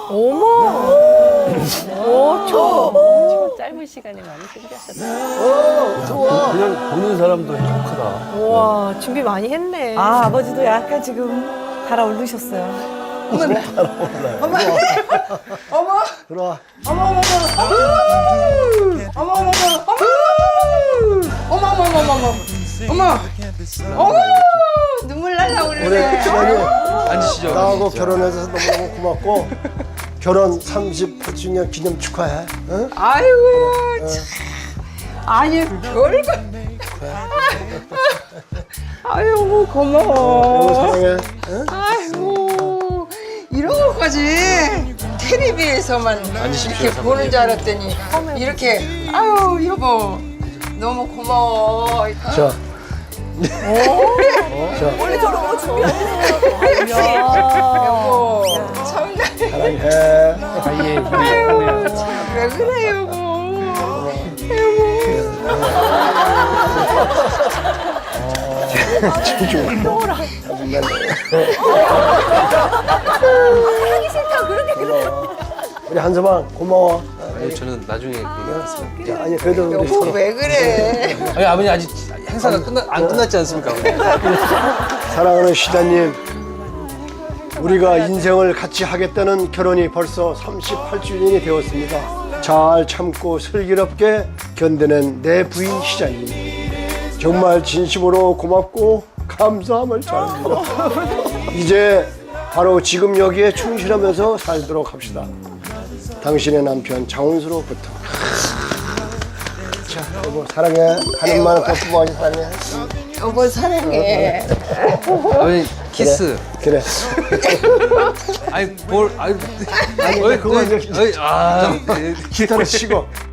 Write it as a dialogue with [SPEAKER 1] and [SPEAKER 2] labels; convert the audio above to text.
[SPEAKER 1] 어머. 초 짧은 시간에 많이 준비하셨어요.
[SPEAKER 2] 그냥 보는 사람도 행복하다.
[SPEAKER 1] 와, 준비 많이 했네.
[SPEAKER 3] 아, 아버지도 약간 지금 달아오르셨어요.
[SPEAKER 4] 어머.
[SPEAKER 5] 들어와.
[SPEAKER 4] 어머 눈물 날라
[SPEAKER 5] 우리
[SPEAKER 4] 그러네.
[SPEAKER 5] 시간이
[SPEAKER 2] 앉으시죠.
[SPEAKER 5] 나하고 결혼해서 너무너무 고맙고 결혼 38주년 기념 축하해. 응?
[SPEAKER 4] 아이고 참. 아니 별거. 아이고
[SPEAKER 5] 여보
[SPEAKER 4] 고마워.
[SPEAKER 5] 사랑해. 응?
[SPEAKER 4] 아이고 이런 것까지 텔레비에서만 이렇게 보는 줄 알았더니 이렇게 아유 여보 너무 고마워.
[SPEAKER 5] 자.
[SPEAKER 3] 원래 저런 거 준비하세요.
[SPEAKER 4] 여보 참나.
[SPEAKER 5] 사랑해.
[SPEAKER 4] 아유 참 왜 그래 여보.
[SPEAKER 5] 우리 한서방 고마워.
[SPEAKER 2] 아니, 저는 나중에 얘기하겠습니다.
[SPEAKER 5] 자, 아니 그래도 우리
[SPEAKER 4] 여보
[SPEAKER 5] 서로
[SPEAKER 4] 왜 그래.
[SPEAKER 2] 아니, 아버님 아직 행사가 안 끝났지 않습니까?
[SPEAKER 5] 사랑하는 시다님, 우리가 인생을 같이 하겠다는 결혼이 벌써 38주년이 되었습니다. 잘 참고 슬기롭게 견뎌낸 내 부인 시자님, 정말 진심으로 고맙고 감사함을 전합니다. 이제 바로 지금 여기에 충실하면서 살도록 합시다. 당신의 남편 장훈수로부터. 자, 여보 사랑해. 가는 만은 더 뿜어가지 사랑해.
[SPEAKER 4] 여보 사랑해.
[SPEAKER 2] 아버님 키스.
[SPEAKER 5] 그래.
[SPEAKER 2] 아니 뭘 아니
[SPEAKER 5] 그거 이제
[SPEAKER 2] 아
[SPEAKER 5] 기타를 치고